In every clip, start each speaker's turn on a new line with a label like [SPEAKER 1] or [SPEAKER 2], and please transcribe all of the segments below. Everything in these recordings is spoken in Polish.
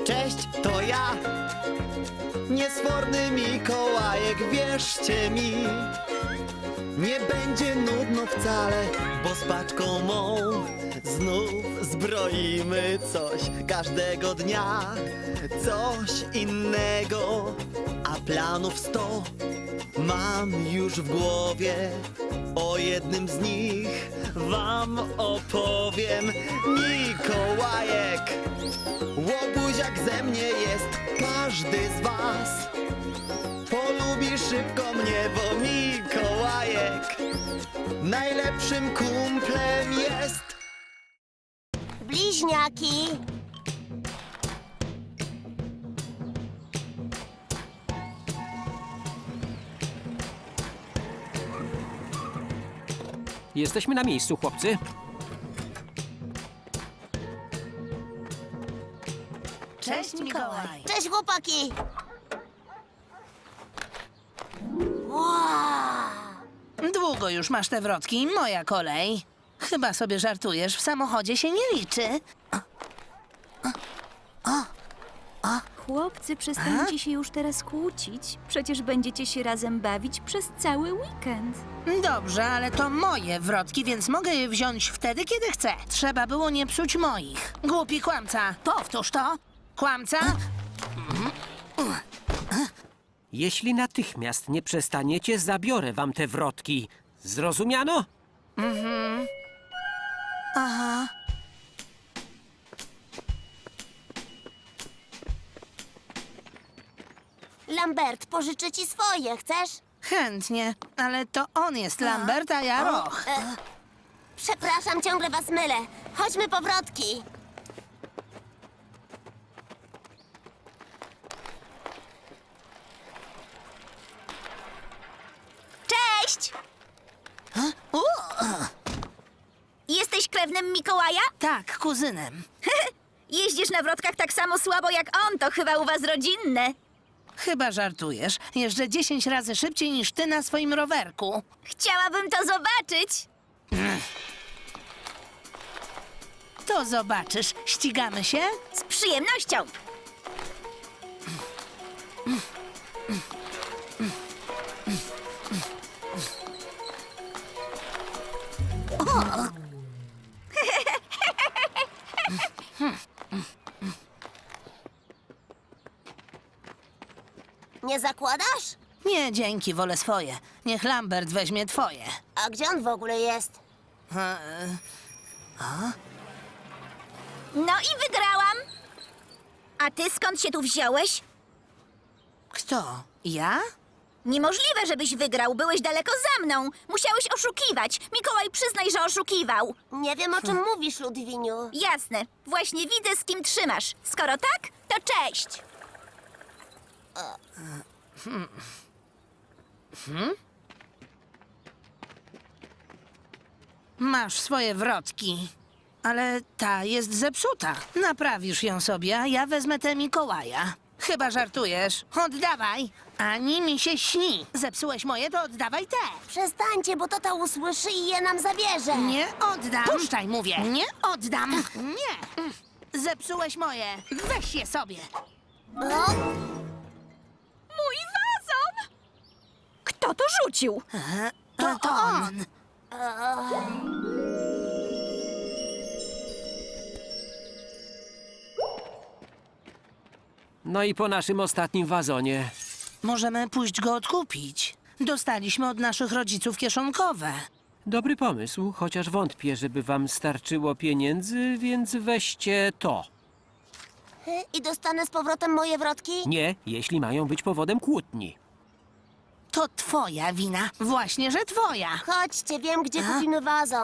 [SPEAKER 1] Cześć, to ja, niesforny Mikołajek, wierzcie mi. Nie będzie nudno wcale, bo z paczką mą znów zbroimy coś każdego dnia. Coś innego, a planów 100 mam już w głowie. O jednym z nich wam opowiem. Mikołajek, łobuziak ze mnie jest każdy z was. Polubi szybko mnie, bo Mikołajek najlepszym kumplem jest.
[SPEAKER 2] Bliźniaki.
[SPEAKER 3] Jesteśmy na miejscu, chłopcy.
[SPEAKER 4] Cześć, Mikołaj.
[SPEAKER 2] Cześć, chłopaki. Wow.
[SPEAKER 4] Długo już masz te wrotki, moja kolej. Chyba sobie żartujesz, w samochodzie się nie liczy.
[SPEAKER 5] Chłopcy, przestańcie się już teraz kłócić. Przecież będziecie się razem bawić przez cały weekend.
[SPEAKER 4] Dobrze, ale to moje wrotki, więc mogę je wziąć wtedy, kiedy chcę. Trzeba było nie psuć moich. Głupi kłamca. Powtórz to. Kłamca?
[SPEAKER 3] Jeśli natychmiast nie przestaniecie, zabiorę wam te wrotki. Zrozumiano?
[SPEAKER 4] Aha.
[SPEAKER 2] Lambert, pożyczę ci swoje, chcesz?
[SPEAKER 4] Chętnie, ale to on jest Lambert, a ja Roch.
[SPEAKER 2] Przepraszam, ciągle was mylę. Chodźmy po wrotki. Cześć! Jesteś krewnym Mikołaja?
[SPEAKER 4] Tak, kuzynem.
[SPEAKER 2] Jeździsz na wrotkach tak samo słabo jak on, to chyba u was rodzinne.
[SPEAKER 4] Chyba żartujesz. Jeżdżę 10 razy szybciej niż ty na swoim rowerku.
[SPEAKER 2] Chciałabym to zobaczyć.
[SPEAKER 4] To zobaczysz. Ścigamy się?
[SPEAKER 2] Z przyjemnością. Nie zakładasz?
[SPEAKER 4] Nie, dzięki, wolę swoje. Niech Lambert weźmie twoje.
[SPEAKER 2] A gdzie on w ogóle jest? No i wygrałam. A ty skąd się tu wziąłeś?
[SPEAKER 4] Kto? Ja?
[SPEAKER 2] Niemożliwe, żebyś wygrał. Byłeś daleko za mną. Musiałeś oszukiwać. Mikołaj, przyznaj, że oszukiwał. Nie wiem, o czym mówisz, Ludwiniu. Jasne. Właśnie widzę, z kim trzymasz. Skoro tak, to cześć.
[SPEAKER 4] Masz swoje wrotki. Ale ta jest zepsuta. Naprawisz ją sobie, a ja wezmę tę Mikołaja. Chyba żartujesz. Oddawaj. Ani mi się śni. Zepsułeś moje, to oddawaj te.
[SPEAKER 2] Przestańcie, bo tata usłyszy i je nam zabierze.
[SPEAKER 4] Nie oddam. Puszczaj, mówię. Nie oddam. Nie. Zepsułeś moje. Weź je sobie.
[SPEAKER 5] Mój wazon! Kto to rzucił?
[SPEAKER 4] To on.
[SPEAKER 3] No i po naszym ostatnim wazonie.
[SPEAKER 4] Możemy pójść go odkupić. Dostaliśmy od naszych rodziców kieszonkowe.
[SPEAKER 3] Dobry pomysł, chociaż wątpię, żeby wam starczyło pieniędzy, więc weźcie to.
[SPEAKER 2] I dostanę z powrotem moje wrotki?
[SPEAKER 3] Nie, jeśli mają być powodem kłótni.
[SPEAKER 4] To twoja wina. Właśnie, że twoja.
[SPEAKER 2] Chodźcie, wiem, gdzie kupimy wazon.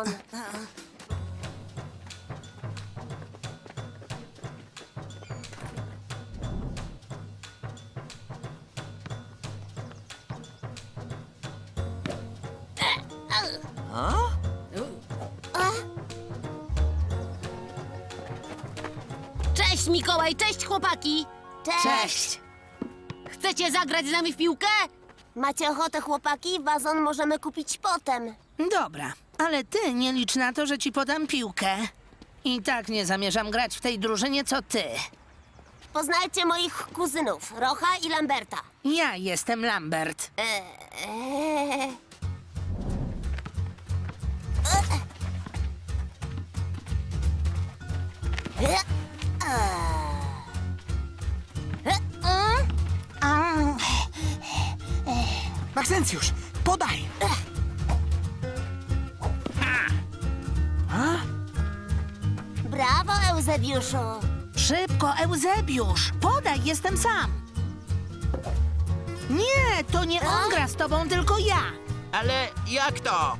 [SPEAKER 6] Cześć Mikołaj, cześć chłopaki!
[SPEAKER 4] Cześć.
[SPEAKER 6] Chcecie zagrać z nami w piłkę?
[SPEAKER 2] Macie ochotę, chłopaki? Wazon możemy kupić potem.
[SPEAKER 4] Dobra, ale ty nie licz na to, że ci podam piłkę. I tak nie zamierzam grać w tej drużynie, co ty.
[SPEAKER 7] Poznajcie moich kuzynów, Rocha i Lamberta.
[SPEAKER 4] Ja jestem Lambert.
[SPEAKER 8] Maksencjusz, podaj!
[SPEAKER 7] Brawo, Eusebiuszu.
[SPEAKER 4] Szybko, Eusebiusz! Podaj, jestem sam! Nie, to nie on gra z tobą, tylko ja!
[SPEAKER 8] Ale jak to?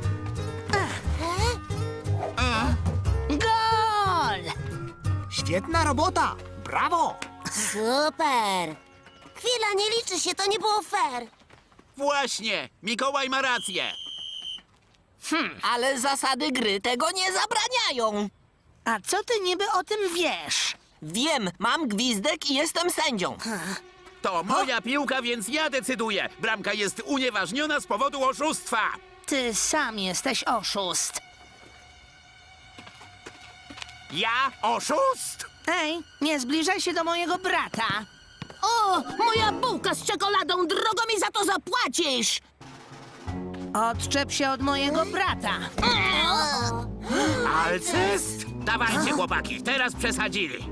[SPEAKER 4] Gol!
[SPEAKER 8] Świetna robota! Brawo!
[SPEAKER 7] Super. Chwila, nie liczy się, to nie było fair.
[SPEAKER 9] Właśnie! Mikołaj ma rację!
[SPEAKER 8] Ale zasady gry tego nie zabraniają.
[SPEAKER 4] A co ty niby o tym wiesz?
[SPEAKER 8] Wiem, mam gwizdek i jestem sędzią.
[SPEAKER 9] To moja piłka, więc ja decyduję! Bramka jest unieważniona z powodu oszustwa!
[SPEAKER 4] Ty sam jesteś oszust.
[SPEAKER 9] Ja oszust?
[SPEAKER 4] Ej, nie zbliżaj się do mojego brata.
[SPEAKER 6] O, moja bułka z czekoladą, drogo mi za to zapłacisz!
[SPEAKER 4] Odczep się od mojego brata.
[SPEAKER 9] Alcest? Dawajcie, chłopaki, teraz przesadzili.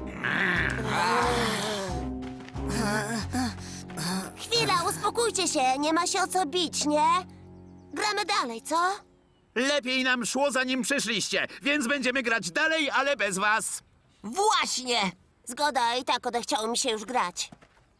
[SPEAKER 7] Chwila, uspokójcie się, nie ma się o co bić, nie? Gramy dalej, co?
[SPEAKER 9] Lepiej nam szło, zanim przyszliście, więc będziemy grać dalej, ale bez was.
[SPEAKER 8] Właśnie!
[SPEAKER 7] Zgoda, i tak odechciało mi się już grać.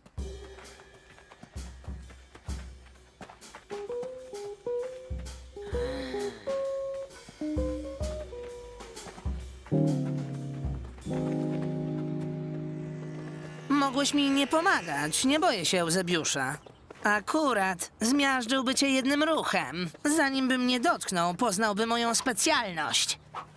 [SPEAKER 4] Mogłeś mi nie pomagać, nie boję się Eusebiusza. Akurat zmiażdżyłby cię jednym ruchem. Zanim by mnie dotknął, poznałby moją specjalność.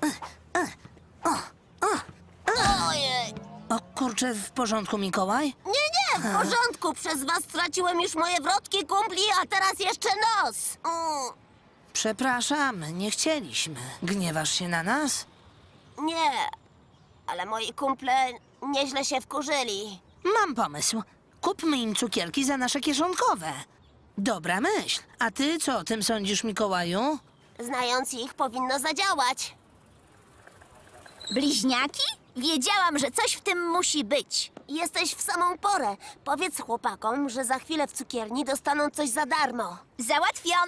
[SPEAKER 7] Ojej.
[SPEAKER 4] O kurczę, w porządku, Mikołaj?
[SPEAKER 7] Nie, w porządku, przez was straciłem już moje wrotki, kumpli, a teraz jeszcze nos.
[SPEAKER 4] Przepraszamy, nie chcieliśmy. Gniewasz się na nas?
[SPEAKER 7] Nie, ale moi kumple nieźle się wkurzyli.
[SPEAKER 4] Mam pomysł. Kupmy im cukierki za nasze kieszonkowe. Dobra myśl. A ty co o tym sądzisz, Mikołaju?
[SPEAKER 7] Znając ich, powinno zadziałać.
[SPEAKER 2] Bliźniaki? Wiedziałam, że coś w tym musi być.
[SPEAKER 7] Jesteś w samą porę. Powiedz chłopakom, że za chwilę w cukierni dostaną coś za darmo.
[SPEAKER 2] Załatwione.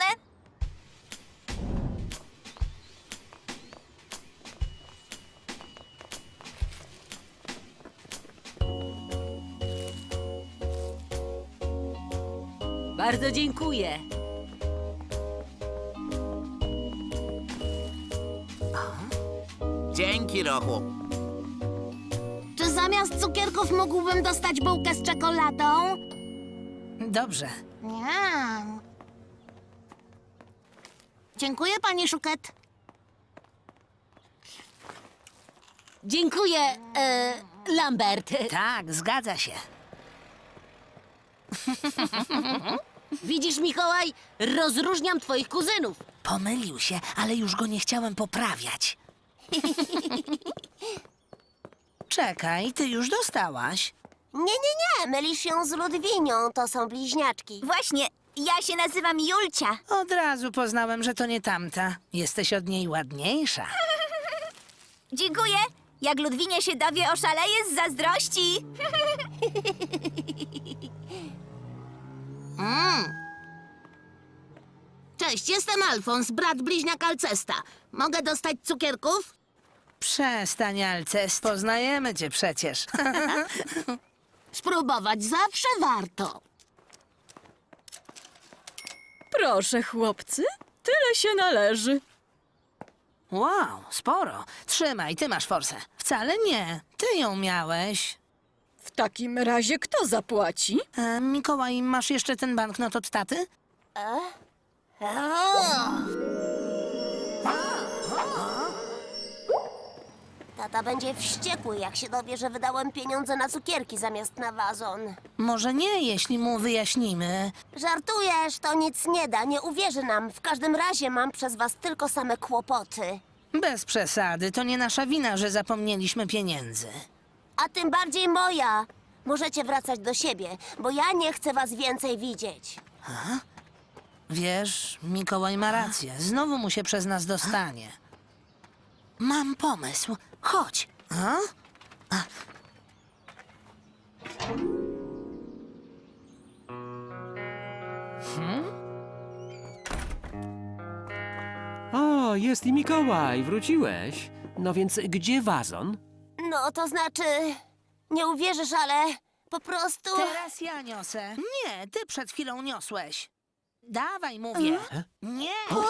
[SPEAKER 6] Bardzo dziękuję.
[SPEAKER 9] Dzięki, Rochu.
[SPEAKER 6] Czy zamiast cukierków mógłbym dostać bułkę z czekoladą?
[SPEAKER 4] Dobrze.
[SPEAKER 6] Nie. Dziękuję, pani Szuket. Dziękuję, Lambert.
[SPEAKER 4] Tak, zgadza się.
[SPEAKER 6] Widzisz, Mikołaj, rozróżniam twoich kuzynów.
[SPEAKER 4] Pomylił się, ale już go nie chciałem poprawiać. Czekaj, ty już dostałaś.
[SPEAKER 7] Nie, mylisz się z Ludwinią, to są bliźniaczki.
[SPEAKER 2] Właśnie, ja się nazywam Julcia.
[SPEAKER 4] Od razu poznałem, że to nie tamta. Jesteś od niej ładniejsza.
[SPEAKER 2] Dziękuję. Jak Ludwinie się dowie, oszaleje z zazdrości.
[SPEAKER 6] Cześć, jestem Alfons, brat bliźniak Alcesta. Mogę dostać cukierków?
[SPEAKER 4] Przestań, Alcest. Poznajemy cię przecież.
[SPEAKER 6] Spróbować zawsze warto.
[SPEAKER 5] Proszę, chłopcy, tyle się należy.
[SPEAKER 4] Wow, sporo. Trzymaj, ty masz forsę. Wcale nie. Ty ją miałeś.
[SPEAKER 5] W takim razie kto zapłaci?
[SPEAKER 4] Mikołaj, masz jeszcze ten banknot od taty?
[SPEAKER 7] Tata będzie wściekły, jak się dowie, że wydałem pieniądze na cukierki zamiast na wazon.
[SPEAKER 4] Może nie, jeśli mu wyjaśnimy.
[SPEAKER 7] Żartujesz, to nic nie da, nie uwierzy nam. W każdym razie mam przez was tylko same kłopoty.
[SPEAKER 4] Bez przesady, to nie nasza wina, że zapomnieliśmy pieniędzy.
[SPEAKER 7] A tym bardziej moja. Możecie wracać do siebie, bo ja nie chcę was więcej widzieć.
[SPEAKER 4] Wiesz, Mikołaj ma rację. Znowu mu się przez nas dostanie. Mam pomysł. Chodź.
[SPEAKER 3] O, jest i Mikołaj, wróciłeś. No więc gdzie wazon?
[SPEAKER 7] No, to znaczy... Nie uwierzysz, ale po prostu...
[SPEAKER 4] Teraz ja niosę. Nie, ty przed chwilą niosłeś. Dawaj, mówię. Nie.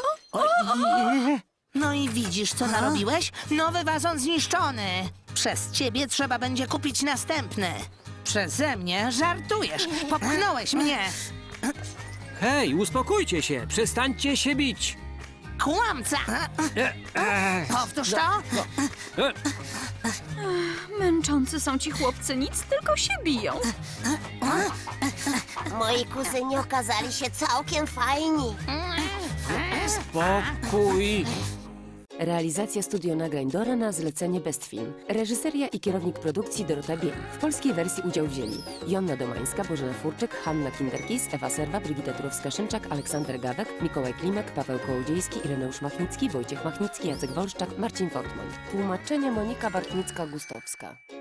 [SPEAKER 4] No i widzisz, co narobiłeś? Nowy wazon zniszczony. Przez ciebie trzeba będzie kupić następny. Przeze mnie żartujesz. Popchnąłeś mnie.
[SPEAKER 3] Hej, uspokójcie się, przestańcie się bić.
[SPEAKER 4] Kłamca. Powtórz to.
[SPEAKER 5] Męczący są ci chłopcy, nic tylko się biją.
[SPEAKER 7] Moi kuzyni okazali się całkiem fajni.
[SPEAKER 3] Spokój.
[SPEAKER 10] Realizacja studio nagrań Dora na zlecenie Best Film. Reżyseria i kierownik produkcji Dorota Biel. W polskiej wersji udział wzięli Jonna Domańska, Bożena Furczyk, Hanna Kinderkis, Ewa Serwa, Brigita Turowska-Szymczak, Aleksander Gawek, Mikołaj Klimek, Paweł Kołodziejski, Ireneusz Machnicki, Wojciech Machnicki, Jacek Wolszczak, Marcin Fortman. Tłumaczenie Monika Bartnicka-Gustowska.